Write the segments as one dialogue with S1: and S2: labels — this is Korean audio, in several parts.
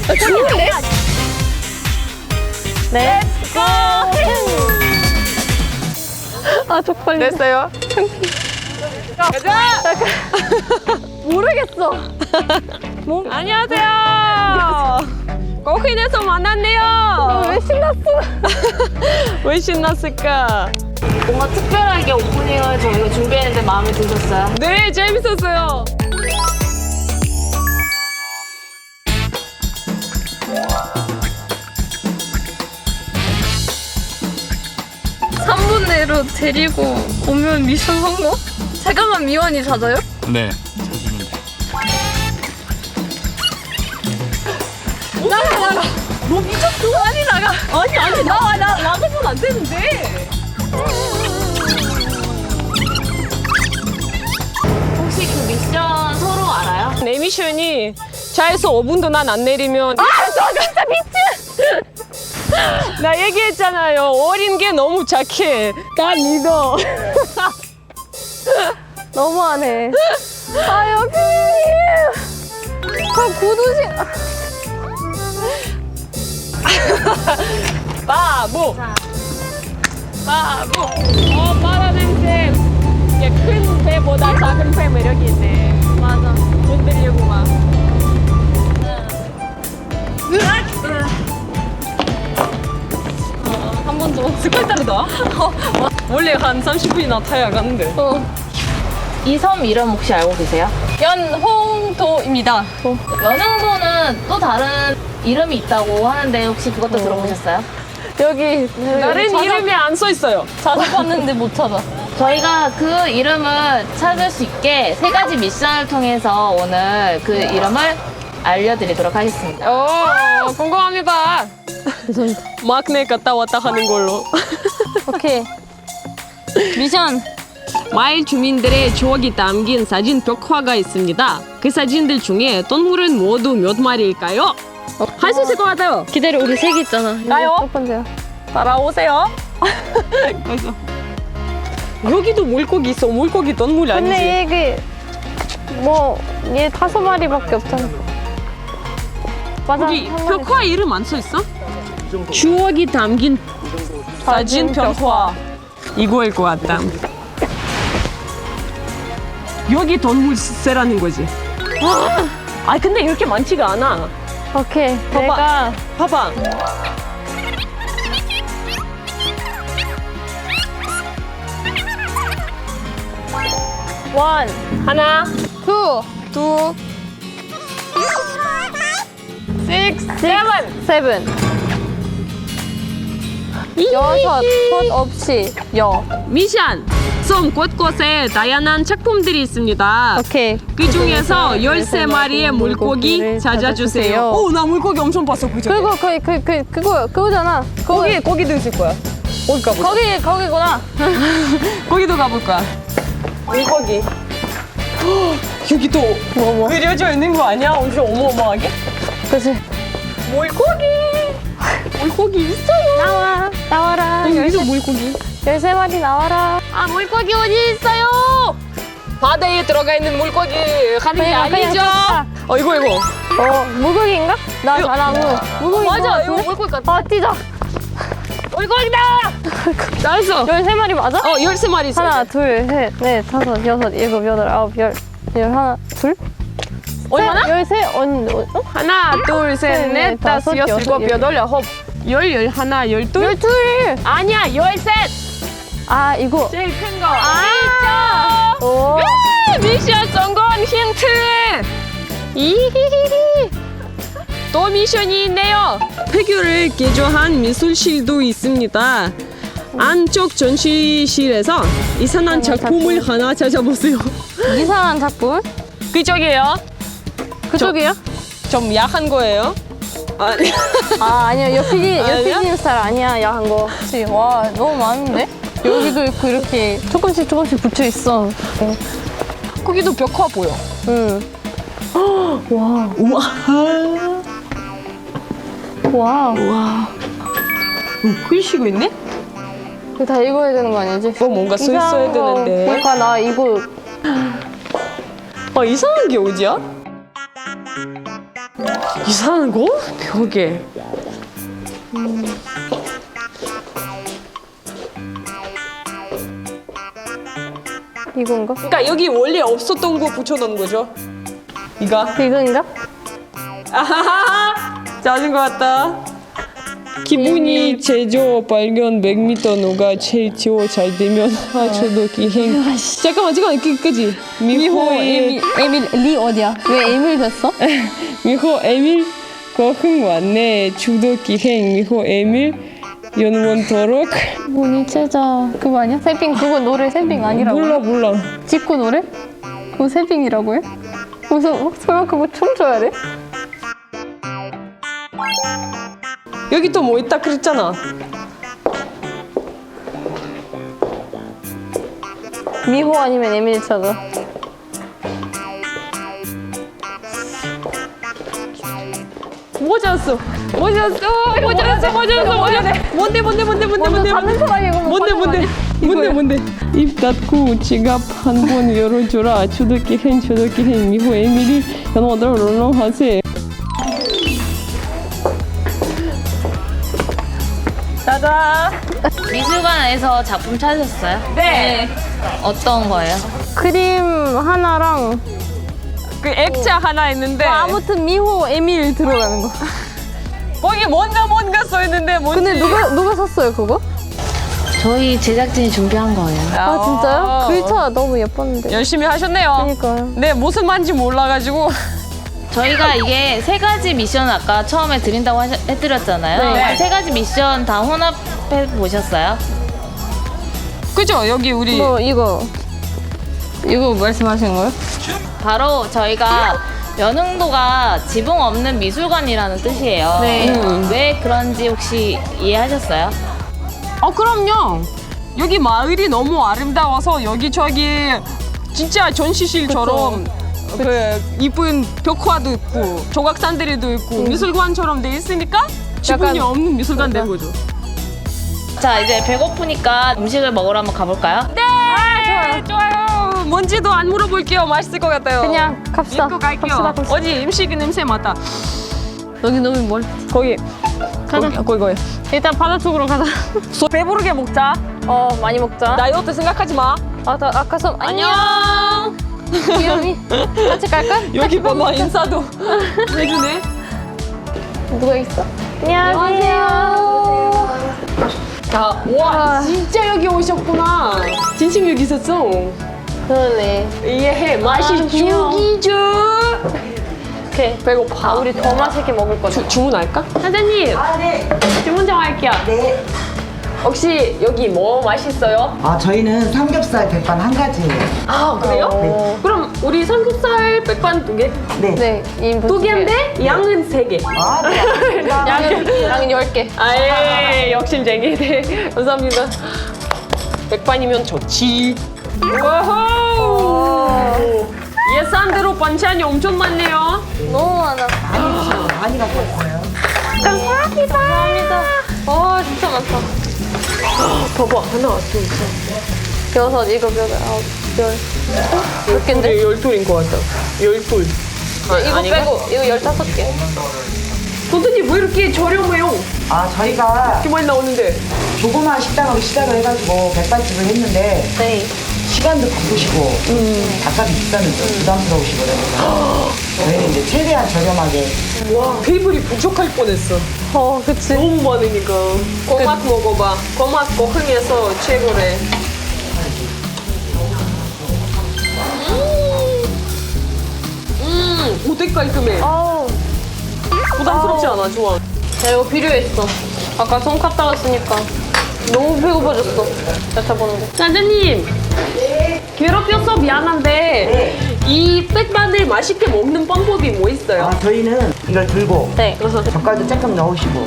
S1: 좋은데? 네. 고! 아, 쪽팔려.
S2: 됐어요? 가자!
S1: 모르겠어.
S2: 안녕하세요. 거기에서 만났네요.
S1: 왜 신났어?
S2: 왜 신났을까?
S3: 뭔가 특별하게 오프닝을 저희가 준비했는데 마음에 드셨어요?
S2: 네, 재밌었어요.
S1: 삼 분 내로 데리고 오면 미션 성공? 잠깐만, 미원이 찾아요?
S4: 네, 찾으면 돼.
S1: 나가. 너 미쳤어? 아니, 나가. 아니, 나가면 안 되는데.
S3: 혹시 그 미션 서로 알아요?
S2: 내 미션이 차에서 5분도 난 안 내리면
S1: 저 진짜 미친!
S2: 나 얘기했잖아요. 어린 게 너무 착해. 나 믿어.
S1: 너무하네. 아, 여기. 구두신.
S2: 바보. 바보. 바라는 새. 큰 배보다 작은 배 매력이 있네.
S1: 맞아.
S2: 흔들리고 막. 한 번 더. 스컬 따르다. 원래 한 30분이나 타야 가는데.
S3: 이 섬 이름 혹시 알고 계세요?
S2: 연홍도입니다.
S3: 연흥도는 또 다른 이름이 있다고 하는데 혹시 그것도 들어보셨어요?
S1: 여기.
S2: 다른 이름이 안 써 있어요.
S1: 찾아봤는데 못 찾아.
S3: 저희가 그 이름을 찾을 수 있게 3가지 미션을 통해서 오늘 그 이름을 알려드리도록 하겠습니다.
S2: 궁금합니다.
S1: 죄송합니다.
S2: 막내 갔다 왔다 하는 걸로.
S1: 오케이. 미션.
S2: 마을 주민들의 추억이 담긴 사진 벽화가 있습니다. 그 사진들 중에 동물은 모두 몇 마리일까요? 할 수 있을 것 같아요.
S1: 기다려, 우리 세 개 있잖아.
S2: 나요?
S1: 첫 번째야.
S2: 따라오세요. 그래서 여기도 물고기 있어. 물고기 동물 아니지?
S1: 근데 이게 얘 5마리밖에 없잖아. 맞아.
S2: 여기
S1: 한 마리.
S2: 벽화 이름 안 써 있어? 추억이 담긴 사진 벽화. 이거일 것 같다. 여기 동물새라는 거지. 아 근데 이렇게 많지가 않아.
S1: 오케이.
S2: 봐봐.
S1: 내가
S2: 봐봐.
S1: 원,
S2: 하나,
S1: 투,
S2: 둘,
S1: 세븐. 여섯, 것 없이 여.
S2: 미션! 섬 곳곳에 다양한 작품들이 있습니다.
S1: 오케이.
S2: 그 중에서 13마리의 물고기 찾아주세요. 오, 나 물고기 엄청 봤어, 그죠?
S1: 그거잖아.
S2: 거기도 있을 거야. 거기 가보자.
S1: 거기구나.
S2: 거기도 가볼 거야. 물고기. 여기도 그려져 있는 거 아니야? 엄청 어마어마하게?
S1: 그치.
S2: 물고기 있어요.
S1: 나와라.
S2: 여기서 물고기.
S1: 13마리 나와라.
S2: 아, 물고기 어디 있어요? 바다에 들어가 있는 물고기 하는 게
S1: 그냥
S2: 아니죠?
S1: 쳤다.
S2: 이거.
S1: 물고기인가? 나
S2: 이거-
S1: 잘하고. 물고기
S2: 맞아, 이거 물고기 같아.
S1: 뛰자.
S2: 물고기다! 잘했어.
S1: 13마리 맞아?
S2: 13마리 있어.
S1: 하나, 둘, 셋, 넷, 다섯, 여섯, 일곱, 여덟, 아홉, 열. 하나, 둘?
S2: 얼마나?
S1: 13,
S2: 하나, 둘, 셋, 넷, 다섯, 여섯, 일곱, 여덟, 아홉, 열, 하나, 열둘?
S1: 12!
S2: 아니야, 13!
S1: 아, 이거.
S2: 제일 큰 거. 아!
S1: 오.
S2: 미션 성공 힌트! 이히히히. 또 미션이 있네요. 폐교를 개조한 미술실도 있습니다. 안쪽 전시실에서 이상한 작품을 하나 찾아보세요.
S1: 이상한 작품?
S2: 그쪽이에요.
S1: 그쪽이요?
S2: 좀 약한 거예요. 아니.
S1: 아니요.
S2: 아니야?
S1: 옆PD님 스타일 아니야, 야한 거. 그치. 와, 너무 많은데? 여기도 있고, 이렇게 조금씩 붙여 있어.
S2: 거기도 벽화 보여.
S1: 응. 와.
S2: 우와.
S1: 와.
S2: 우와. 글씨가 있네?
S1: 이거 다 읽어야 되는 거 아니지?
S2: 이거 뭔가 써 있어야
S1: 이상한 거.
S2: 되는데.
S1: 그러니까 나 이거
S2: 이상한 게 어디야? 이상한 거? 벽에.
S1: 이건가?
S2: 그러니까 여기 원래 없었던 거 붙여놓은 거죠? 이거?
S1: 이건가?
S2: 아하하! 짜증 것 같다. 기분이 제조 발견 100m 누가 제일 지워 잘 되면 저도 기행. 잠깐만 그지? 미호
S1: 에밀 리 어디야? 왜 에밀 됐어?
S2: 미호 에밀 거흥 왔네. 주도 기행 미호 에밀 연원도록.
S1: 뭐니 최자 그거 아니야? 새빙 그거 노래 새빙 아니라고?
S2: 몰라.
S1: 직구 노래? 그거 새빙이라고 해? 무슨 설마 그거 춤춰야 돼?
S2: 여기 또 뭐 있다 그랬잖아.
S1: 미호 아니면 에밀 찾아.
S2: 모자였어. 뭔데?
S1: 먼저 잡는 사람이 이거 못 받는 거 아니야?
S2: 뭔데? 입 닫고 지갑 한 번 열어줘라. 주도기 행 미호 에밀이 연어들 롤롱하세. 짜잔.
S3: 미술관에서 작품 찾으셨어요?
S2: 네.
S3: 어떤 거예요?
S1: 크림 하나랑
S2: 그 액체 하나 있는데
S1: 아무튼 미호 에밀 들어가는 거.
S2: 거기 뭔가 써 있는데 뭔지.
S1: 근데 누가 샀어요 그거?
S3: 저희 제작진이 준비한 거예요.
S1: 아 진짜요? 글자 너무 예뻤는데.
S2: 열심히 하셨네요.
S1: 그러니까요.
S2: 네, 무슨 말인지 몰라가지고.
S3: 저희가 이게 세 가지 미션 아까 처음에 드린다고 해드렸잖아요.
S1: 네.
S3: 세 가지 미션 다 혼합해 보셨어요?
S2: 그죠? 여기 우리
S1: 뭐 이거 말씀하신 거예요?
S3: 바로 저희가 연흥도가 지붕 없는 미술관이라는 뜻이에요.
S1: 네.
S3: 왜 그런지 혹시 이해하셨어요?
S2: 그럼요. 여기 마을이 너무 아름다워서 여기저기 진짜 전시실처럼 그 이쁜 벽화도 있고 조각산들이도 있고 미술관처럼 돼 있으니까 지붕이
S1: 약간-
S2: 없는 미술관 된 거죠.
S3: 자, 이제 배고프니까 음식을 먹으러 한번 가볼까요?
S2: 네, 좋아요. 뭔지도 안 물어볼게요. 맛있을 것 같아요.
S1: 그냥 갑시다.
S2: 믿고 갈게요.
S1: 갑시다.
S2: 어디 음식 냄새 맡아.
S1: 여기 너무 멀.
S2: 거기.
S1: 가자.
S2: 거기.
S1: 일단 바다 쪽으로 가자.
S2: 배부르게 먹자.
S1: 많이 먹자.
S2: 다이어트 생각하지 마.
S1: 나 아까 선
S2: 안녕.
S1: 귀여미. 같이 갈까?
S2: 여기 봐봐 인사도 해주네.
S1: 누가 있어? 안녕하세요.
S2: 자, 와 진짜 여기 오셨구나. 진심 여기 있었어.
S1: 그러네.
S2: 이해해. 맛이
S1: 귀여워.
S2: 죽이죠.
S1: 오케이.
S2: 배고파.
S1: 우리 더 맛있게 먹을 거죠.
S2: 주문할까? 사장님.
S5: 네.
S2: 주문 좀 할게요.
S5: 네.
S2: 혹시 여기 뭐 맛있어요?
S5: 저희는 삼겹살 백반 한 가지예요.
S2: 아 그래요? 그럼 우리 삼겹살 백반 2개?
S5: 네.
S1: 네. 2인분
S2: 2개인데 양은 3개.
S5: 네.
S1: 양은 10개.
S2: 아예 욕심쟁이. 네 감사합니다. 백반이면 좋지. 와호. 예산대로 반찬이 엄청 많네요.
S1: 너무 많아.
S5: 많이 갖고 왔어요.
S1: 감사합니다. 진짜 많다.
S2: 봐봐 하나 왔어.
S1: 6, 7, 8, 9, 10. 몇 갠데?
S2: 12인 것 같다. 12.
S1: 이거 빼고 이거 15개.
S2: 선생님 왜 이렇게 저렴해요?
S5: 저희가
S2: 이렇게 많이 나오는데.
S5: 조그마한 식당으로 시작을 해가지고 백반집을 했는데
S1: 네.
S5: 시간도 바쁘시고 닭값이 비싸면 좀 부담스러우시거든요. 저희는 이제 최대한 저렴하게.
S2: 와 테이블이 부족할 뻔했어.
S1: 그치.
S2: 너무 많으니까. 꼬맛 먹어봐. 꼬맛 고흥에서 최고래. 어때 깔끔해. 부담스럽지 않아. 좋아.
S1: 야, 이거 필요했어. 아까 손 갔다 왔으니까 너무 배고파졌어. 여쭤보는데.
S2: 사장님. 괴롭혀서 미안한데 이 백반을 맛있게 먹는 방법이 뭐 있어요?
S5: 저희는 이걸 들고
S1: 네.
S5: 젓갈도 조금 넣으시고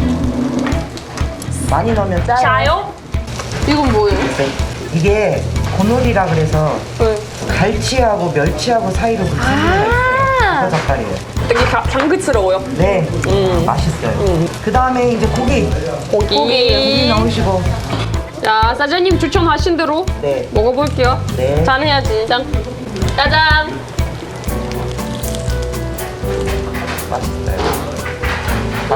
S5: 많이 넣으면 짜요.
S2: 짜요?
S1: 이건 뭐예요?
S5: 네. 이게 고놀이라 그래서
S1: 네.
S5: 갈치하고 멸치하고 사이로 그 친구가 있어요. 그 젓갈이에요.
S2: 되게 당근스러워요.
S5: 네, 맛있어요. 그 다음에 이제 고기
S2: 고기.
S5: 넣으시고.
S2: 자, 사장님 추천하신 대로
S5: 네.
S2: 먹어볼게요.
S5: 네.
S2: 짠 해야지. 짠. 짜잔.
S5: 맛있어요.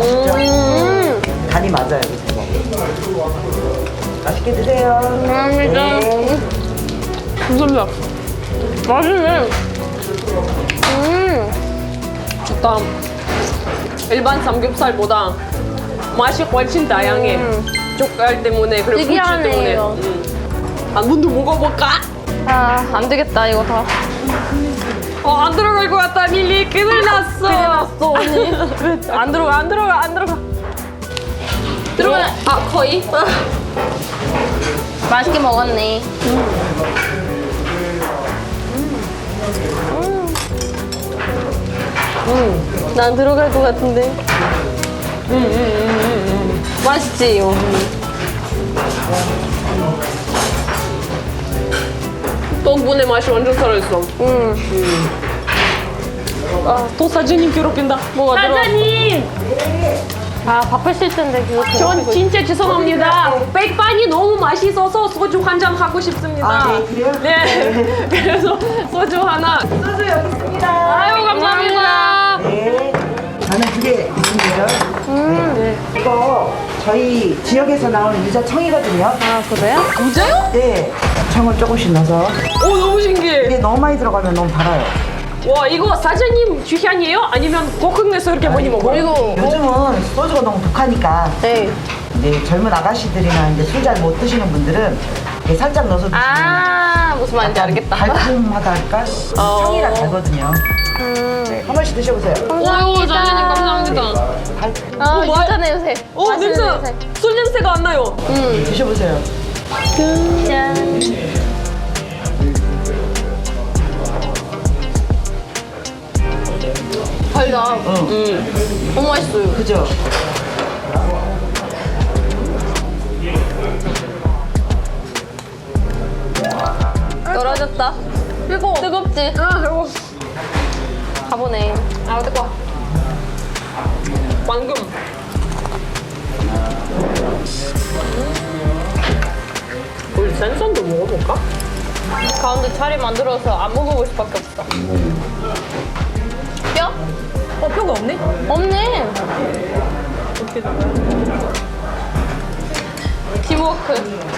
S5: 맛있죠? 간이 맞아요, 그래서. 맛있게 드세요.
S1: 감사합니다.
S5: 네.
S2: 감사합니다. 맛있네. 좋다. 일반 삼겹살보다 맛이 훨씬 다양해. 젓갈 때문에 그리고 후추
S1: 특이하네,
S2: 때문에.
S1: 이거.
S2: 한 번도 먹어볼까?
S1: 아, 안 되겠다, 이거 다.
S2: 안 들어갈 것 같다, 밀리. 큰일 났어.
S1: 큰일 났어, 언니.
S2: 안 들어가. 들어가. 거의.
S1: 맛있게 먹었네. 난 들어갈 것 같은데. 맛있지, 이거.
S2: 떡분의 맛이 완전 살아있어. 또 사장님 괴롭힌다.
S1: 뭐가 들어?
S2: 사장님!
S1: 아, 바쁘실 텐데, 그거.
S2: 전 진짜 죄송합니다. 백반이 너무 맛있어서 소주 한 잔 하고 싶습니다.
S5: 아, 네, 그래요?
S2: 네. 그래서 소주 하나.
S5: 소주 여기 있습니다.
S2: 아유, 감사합니다.
S5: 네. 저는 2개 있습니다. 네. 이거 저희 지역에서 나오는 유자 청이거든요.
S1: 아, 그래요?
S2: 진짜요?
S5: 네. 청을 조금씩 넣어서.
S2: 오, 너무 신기해.
S5: 이게 너무 많이 들어가면 너무 달아요.
S2: 와, 이거 사장님 취향이에요? 아니면 고흥에서 이렇게 많이 먹어요?
S1: 그리고,
S5: 요즘은 소주가 너무 독하니까
S1: 네.
S5: 이제 젊은 아가씨들이나 이제 술 잘 못 드시는 분들은 이렇게 살짝 넣어서 드시면
S1: 아, 무슨 말인지 알겠다.
S5: 달콤하다 할까? 청이라 달거든요. 네, 한 번씩 드셔보세요.
S2: 오유, 사장님 감사합니다.
S1: 아,
S2: 뭐-
S1: 진짜 냄새.
S2: 오,
S1: 맛있는
S2: 냄새. 술 냄새가 안 나요.
S5: 드셔보세요.
S1: 짠. 달다. 너무 맛있어요.
S5: 그죠?
S1: 떨어졌다. 뜨거워. 뜨겁지?
S2: 뜨거워.
S1: 가보네.
S2: 아, 뜨거워. 방금. 우리 생선도 먹어볼까?
S1: 가운데 자리 만들어서 안 먹어볼 수밖에 없어. 뼈?
S2: 뼈가 없네?
S1: 없네. 팀워크.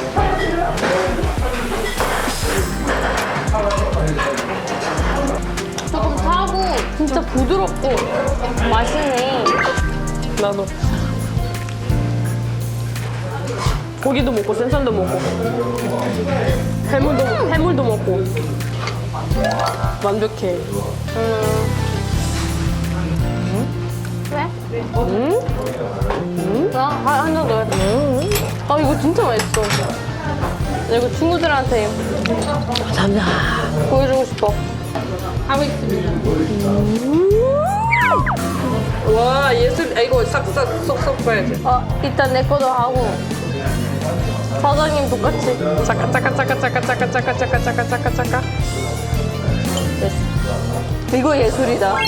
S1: 조금 타고 진짜 부드럽고 맛있네.
S2: 나도. 고기도 먹고 생선도 먹고 해물도 먹고 완벽해.
S1: 왜? 한잔 넣어야 돼. 아, 이거 진짜 맛있어. 나 이거 친구들한테 보여주고 싶어. 하고 있습니다.
S2: 와, 예술. 아, 이거 싹싹 쏙쏙 봐야지.
S1: 일단 내 거도 하고 사장님 똑같이.
S2: 짜까
S1: 됐어. 이거 예술이다.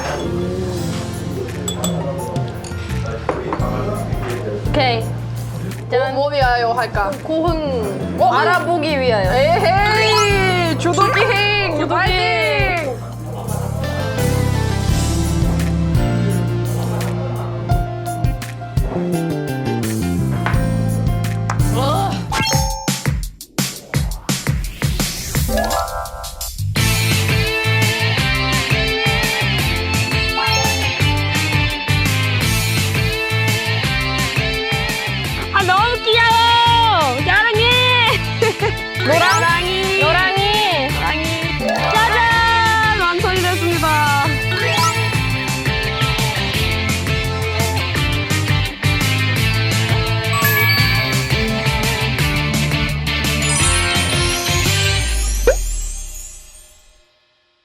S1: 오케이. 뭐 위하여 할까? 고흥 알아보기 위하여.
S2: 에헤이, 주도기행.